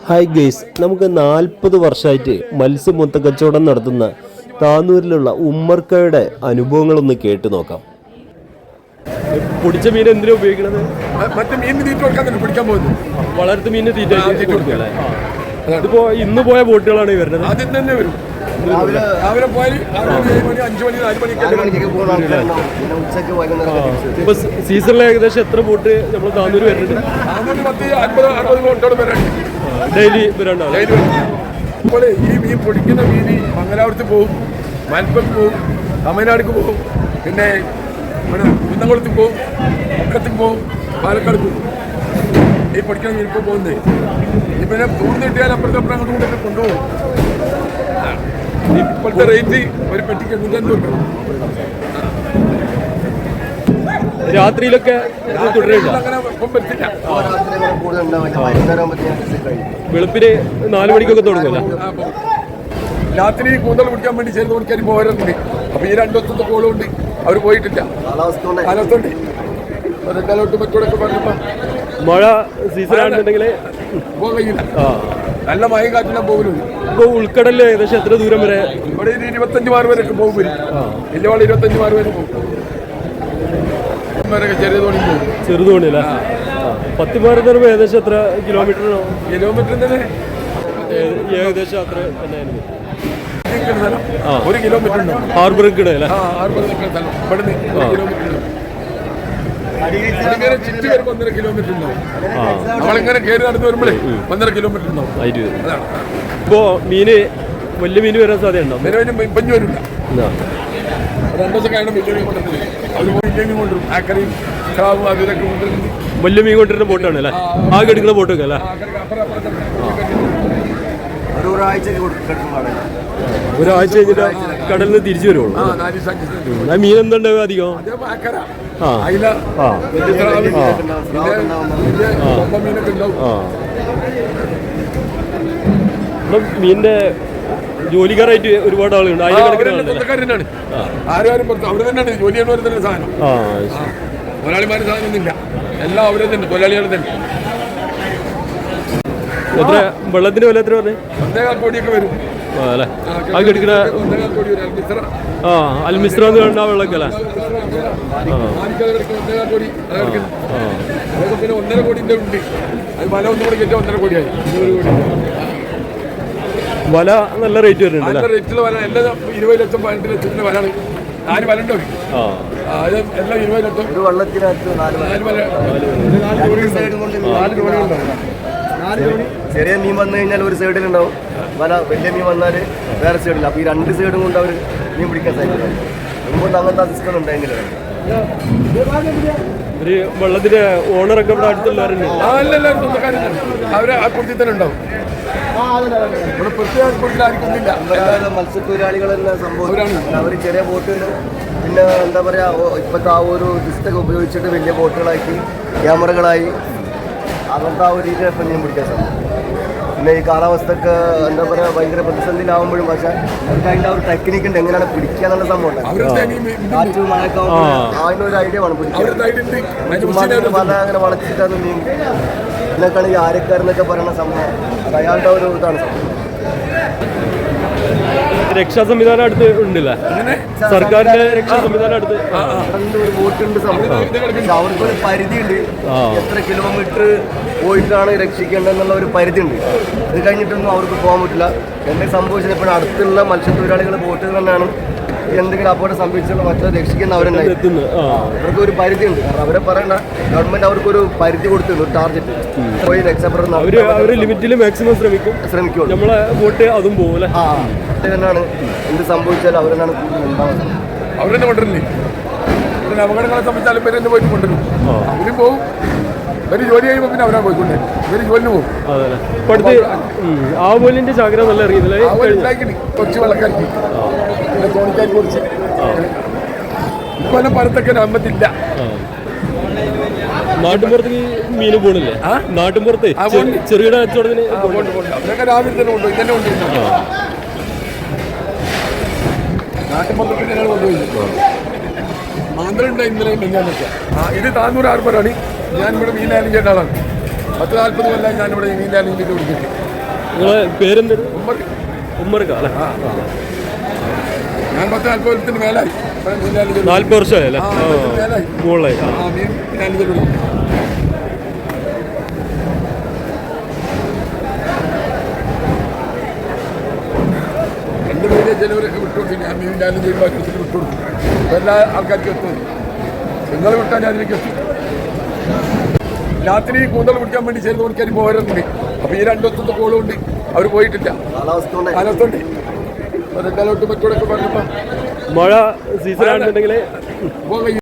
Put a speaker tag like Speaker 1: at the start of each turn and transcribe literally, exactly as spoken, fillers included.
Speaker 1: Hi guys, നമുക്ക് നാൽപ്പത് വർഷമായിട്ട് മത്സ്യ മൊത്ത കച്ചവടം നടത്തുന്ന താനൂരിലുള്ള ഉമ്മർക്കയുടെ അനുഭവങ്ങളൊന്ന് കേട്ടു നോക്കാം. പൊടിച്ച മീൻ എന്തിനാ ഉപയോഗിക്കുന്നത്?
Speaker 2: മറ്റേ മീൻ തീറ്റ കൊടുക്കാൻ പിടിക്കാൻ പോകുന്നു.
Speaker 1: വളർത്ത് മീൻ തീറ്റ കൊടുക്കല്ലേ? ഇതിപ്പോ ഇന്ന് പോയ ബോട്ടുകളാണ് വരുന്നത്.
Speaker 2: ആദ്യം തന്നെ വരും. രാവിലെ പോയാൽ മണി അഞ്ചു മണി നാല് മണിക്ക്.
Speaker 1: ഇപ്പൊ സീസണിൽ ഏകദേശം എത്ര ബോട്ട് നമ്മൾ താനൂര് വരുന്നുണ്ട്?
Speaker 2: പത്ത് അൻപത് അറുപത് ബോട്ടോട് വരാണ്ട്
Speaker 1: ഡെയിലി വരാണ്ടാവും.
Speaker 2: അപ്പോൾ ഈ മീൻ പൊടിക്കുന്ന മീൻ മംഗലാപുരത്ത് പോകും, മലപ്പുറത്ത് പോകും, തമിഴ്നാടിക്ക് പോകും, പിന്നെ ഇവിടെ കുന്നംകുളത്ത് പോകും, മുക്കത്തേക്ക് പോകും, പാലക്കാട് പോകും. ഈ പൊടിക്കുന്ന മീൻ ഇപ്പോൾ പോകുന്നത് ഈ പിന്നെ തൂർന്ന് കിട്ടിയാൽ അപ്പുറത്തെ അപ്പുറം അങ്ങോട്ട് കൊണ്ടൊക്കെ കൊണ്ടുപോകും. ഇപ്പോഴത്തെ റേറ്റ് ഒരു പെട്ടിക്ക് എണ്ണൂറ്റമ്പത് രൂപ.
Speaker 1: രാത്രിയിലൊക്കെ
Speaker 2: അങ്ങനെ ഇപ്പം പറ്റില്ല.
Speaker 1: വെളുപ്പിന് നാല് മണിക്കൊക്കെ തുടങ്ങുമല്ലോ.
Speaker 2: രാത്രി കൂന്തൽ പിടിക്കാൻ വേണ്ടി ചേർന്ന് മണിക്കാർ പോകാറുണ്ട്. അപ്പൊ ഈ രണ്ടു ദിവസത്തെ കോളുകൊണ്ട് അവർ പോയിട്ടില്ല. കാലാവസ്ഥ ഉണ്ട്. റെഡലോട്ട് മറ്റോടൊക്കെ പറഞ്ഞപ്പോ
Speaker 1: മഴ സീസൺ ആണെന്നുണ്ടെങ്കിൽ
Speaker 2: പോകാൻ കഴിയില്ല. നല്ല മഴയും കാറ്റിലാണ് പോകുന്നത്.
Speaker 1: ഇപ്പൊ ഉൾക്കടലിൽ ഏകദേശം എത്ര ദൂരം വരെ?
Speaker 2: ഇവിടെ ഒരു ഇരുപത്തഞ്ച് മാർ വരെയൊക്കെ പോകും. വലിയ വാള് ഇരുപത്തഞ്ച് മാർ വരെ പോകും. ചെറിയ തോണി പോകും.
Speaker 1: ചെറുതോണി അല്ലേ? പത്തിമാർ എന്ന് പറയുമ്പോൾ ഏകദേശം എത്ര കിലോമീറ്റർ?
Speaker 2: കിലോമീറ്റർ തന്നെ
Speaker 1: ഏകദേശം അത്ര തന്നെ
Speaker 2: ഒരു കിലോമീറ്റർ ഉണ്ടാവും.
Speaker 1: ഹാർബർ കിടല്ലേ?
Speaker 2: ഹാർബർ സ്ഥലം ഇവിടുന്ന് കിലോമീറ്റർ ഉണ്ടാവും. ഇങ്ങനെ ചുറ്റി വരുമ്പോൾ ഒന്നര കിലോമീറ്റർ ഉണ്ടാവും. നമ്മളിങ്ങനെ കയറി നടന്നു വരുമ്പോഴേ ഒന്നര കിലോമീറ്റർ ഉണ്ടാവും. അതാണ്.
Speaker 1: ഇപ്പോ മീന് വലിയ മീന് വരാൻ സാധ്യതയുണ്ടോ?
Speaker 2: പഞ്ഞു വരില്ല. രണ്ടു ദിവസം കഴിഞ്ഞ വലിയ മീൻ കൊണ്ടുവരുന്നത്. അവർ വലിയ മീൻ കൊണ്ടുവരും. ആക്കറിയും ക്രാവും അതിലൊക്കെ കൊണ്ടുവരുന്നത്.
Speaker 1: വലിയ മീൻ കൊണ്ടിരുന്ന ബോട്ടാണ് അല്ലേ? ആകെ എടുക്കുന്ന ബോട്ടൊക്കെ അല്ലേ? ഒരാഴ്ച കഴിഞ്ഞിട്ട് കടലിൽ നിന്ന് തിരിച്ചു വരുള്ളൂ. ആ മീൻ എന്തുണ്ടാവും അധികം? മീനിന്റെ ജോലിക്കാരായിട്ട് ഒരുപാട് ആളുകളുണ്ട്.
Speaker 2: സ്വന്തക്കാരനാണ്. ആരും പുറത്ത് അവർ തന്നെയാണ് ജോലി ചെയ്യുന്നവർ തന്നെ സാധനം. തൊഴിലാളിമാരുടെ സാധനം ഒന്നുമില്ല. എല്ലാം അവരെ തന്നെ തൊഴിലാളികൾ തന്നെ.
Speaker 1: എത്ര വെള്ളത്തിന്റെ വില എത്ര പറഞ്ഞേ?
Speaker 2: ഒന്നേകാൽ കോടിയൊക്കെ വരും.
Speaker 1: ആ അൽമിസ്ര വെള്ളമൊക്കെ അല്ലേ?
Speaker 2: പിന്നെ ഒന്നര കോടിന്റെ ഉണ്ട്. അത് വല ഒന്നും കൂടെ കയറ്റാൻ ഒന്നര കോടിയായി.
Speaker 1: വല നല്ല റേറ്റ് വരുന്നുണ്ട്.
Speaker 2: നല്ല റേറ്റിൽ വല എല്ലാം ഇരുപത് ലക്ഷം പതിനെട്ട് ലക്ഷത്തിന്റെ വലാണ്. നാല് വല ഉണ്ടോ? അത് എല്ലാം ഇരുപത് ലക്ഷം.
Speaker 3: ചെറിയ മീൻ വന്നു കഴിഞ്ഞാൽ ഒരു സൈഡിലുണ്ടാവും വല, വലിയ മീൻ വന്നാൽ വേറെ സൈഡിൽ. അപ്പോൾ ഈ രണ്ട് സൈഡും കൊണ്ട് അവർ മീൻ പിടിക്കാൻ സാധിക്കും. മുമ്പൊന്നും അങ്ങനത്തെ സിസ്റ്റം ഉണ്ടായിരുന്നില്ല.
Speaker 1: ഒരു വെള്ളത്തിന്റെ ഓണറൊക്കെ ഇവിടെ അടുത്തുള്ളവരുണ്ട്.
Speaker 2: അവര് ആ കുട്ടി തന്നെ ഉണ്ടാവും.
Speaker 3: മത്സ്യത്തൊഴിലാളികളെല്ലാം സംഭവം അവർ ചെറിയ ബോട്ടുകൾ പിന്നെ എന്താ പറയുക ഇപ്പോഴത്തെ ആ ഒരു സിസ്റ്റൊക്കെ ഉപയോഗിച്ചിട്ട് വലിയ ബോട്ടുകളാക്കി ക്യാമറകളായി അങ്ങനത്തെ ആ ഒരു രീതിയിൽ ഇപ്പം മീൻ പിടിക്കാൻ സാധിക്കും. പിന്നെ ഈ കാലാവസ്ഥക്ക് എന്താ പറയുക ഭയങ്കര പ്രതിസന്ധിയിലാവുമ്പോഴും പക്ഷേ അവർക്ക് അതിൻ്റെ ആ ഒരു ടെക്നിക്ക് ഉണ്ട് എങ്ങനെയാണ് പിടിക്കുക എന്നുള്ള സംഭവം ഉണ്ട്. കാറ്റ് മഴയൊക്കെ ആകുമ്പോൾ അതിൻ്റെ ഒരു ഐഡിയ വേണം പിടിക്കാൻ. വല അങ്ങനെ വളച്ചിട്ടാണ് മീൻ ഇതിനൊക്കെയാണ് ഈ ആരക്കാരെന്നൊക്കെ പറയുന്ന സംഭവം. അത് അയാളുടെ ഒരു ഇതാണ് സംഭവം.
Speaker 1: രക്ഷാ സംവിധാനം അടുത്ത് ഉണ്ടല്ലേ? സർക്കാരിന്റെ രക്ഷാ സംവിധാനം അടുത്ത്
Speaker 3: ഒരു ബോട്ടുണ്ട് സംഭവം. പക്ഷെ അവർക്കൊരു പരിധിയുണ്ട്. എത്ര കിലോമീറ്റർ പോയിട്ടാണ് രക്ഷിക്കേണ്ടതെന്നുള്ള ഒരു പരിധി ഉണ്ട്. ഇത് കഴിഞ്ഞിട്ടൊന്നും അവർക്ക് പോകാൻ പറ്റില്ല. എന്തെങ്കിലും സംഭവിച്ചത് ഇപ്പോൾ അടുത്തുള്ള മത്സ്യത്തൊഴിലാളികൾ ബോട്ടിൽ തന്നെയാണ് എന്തെങ്കിലും അപകടം സംഭവിച്ചുള്ള മറ്റേ രക്ഷിക്കുന്ന അവരുണ്ടായി. അവർക്ക് ഒരു പരിധി ഉണ്ട്. കാരണം അവരെ പറയണ്ട, ഗവൺമെന്റ് അവർക്കൊരു പരിധി കൊടുത്തിട്ടുണ്ട്, ഒരു ടാർഗറ്റ്. പോയി രക്ഷപ്പെടുന്ന
Speaker 1: അവര് ലിമിറ്റിൽ മാക്സിമം ശ്രമിക്കും ശ്രമിക്കും നമ്മളെ ബോട്ട് അതും പോകും.
Speaker 3: ആ തന്നെയാണ് എന്ത് സംഭവിച്ചാലും അവരെന്നാണ് കൂടുതൽ ഉണ്ടാവുന്നത്.
Speaker 2: അവരെന്നെ കൊണ്ടുവരില്ലേ? പിന്നെ അപകടങ്ങളെ സംബന്ധിച്ചാലും ഇവരെ തന്നെ പോയിട്ട് കൊണ്ടുവരും. അവരും പോകും. ഇവര് ജോലി കഴിയുമ്പോൾ പിന്നെ അവരാ പോയിക്കൊണ്ടേ ഇവര് ജോലിന് പോകും.
Speaker 1: ആവോലിന്റെ ചാകര നല്ല അറിയുന്നില്ല.
Speaker 2: കൊച്ചു വെള്ളക്കാർക്ക് തോണിക്കാർക്ക് കുറിച്ച് ഇക്കൊല്ലം പരത്തൊക്കെ അമ്പത്തില്ല.
Speaker 1: നാട്ടിൻപുറത്തേക്ക് മീൻ പോണില്ലേ? നാട്ടിൻപുറത്ത് ചെറുകിട കച്ചവടത്തിന്
Speaker 2: അവരൊക്കെ രാവിലെ തന്നെ കൊണ്ടുപോയി തന്നെ കൊണ്ടുപോയി നാട്ടിൻപുറത്തേക്ക് തന്നെയാണ് കൊണ്ടുപോയി. മാന്ത്രണ്ട് ഇന്നലെ മെഞ്ഞാന്നൊക്കെ. ഇത് താന്നൂർ ഹാർബറാണ്. ഞാൻ ഇവിടെ മീൻ ആയാലും ചെയ്യേണ്ട ആളാണ്. പത്ത് നാൽപ്പത് കൊല്ലം ഞാനിവിടെ നീന്താനും ഇതിൽ പിടിച്ചിട്ട്.
Speaker 1: നിങ്ങളെ പേരെന്തൊരു
Speaker 2: ഉമ്മർ
Speaker 1: ഉമ്മർക്ക അല്ലേ?
Speaker 2: ആ ഞാൻ പത്ത് നാൽപ്പത് കൊല്ലത്തിന് മേലായി ഇവിടെ നീന്താനും
Speaker 1: നാല്പത് വർഷമായി അല്ലേ?
Speaker 2: മേലായി
Speaker 1: മുകളിലായി. ആ.
Speaker 2: ആ മീൻ ഞാനിത് പിടിക്കും. എൻ്റെ പേര് ചിലവരൊക്കെ വിട്ടുകൊടുക്കും. ഞാൻ മീൻ ഞാനും ചെയ്യുമ്പോൾ വിട്ടുകൊടുക്കും. എല്ലാ ആൾക്കാർക്കും എത്തും. നിങ്ങൾ വിട്ടാൽ ഞാൻ അതിലേക്ക് എത്തും. രാത്രി കൂന്തൽ പിടിക്കാൻ വേണ്ടി ചേർന്ന് കൊടുക്കാൻ പോരുന്നുണ്ട്. അപ്പോൾ ഈ രണ്ടൊത്തത്തെ കോളുണ്ട്, അവർ പോയിട്ടില്ല.
Speaker 3: കാലാവസ്ഥ കൊണ്ട്
Speaker 2: കാലത്തുണ്ട് അതെക്കാലോട്ട് മറ്റോടൊക്കെ പറഞ്ഞപ്പോൾ
Speaker 1: മഴ സീസൺ ആണെന്നുണ്ടെങ്കിൽ
Speaker 2: പോകാൻ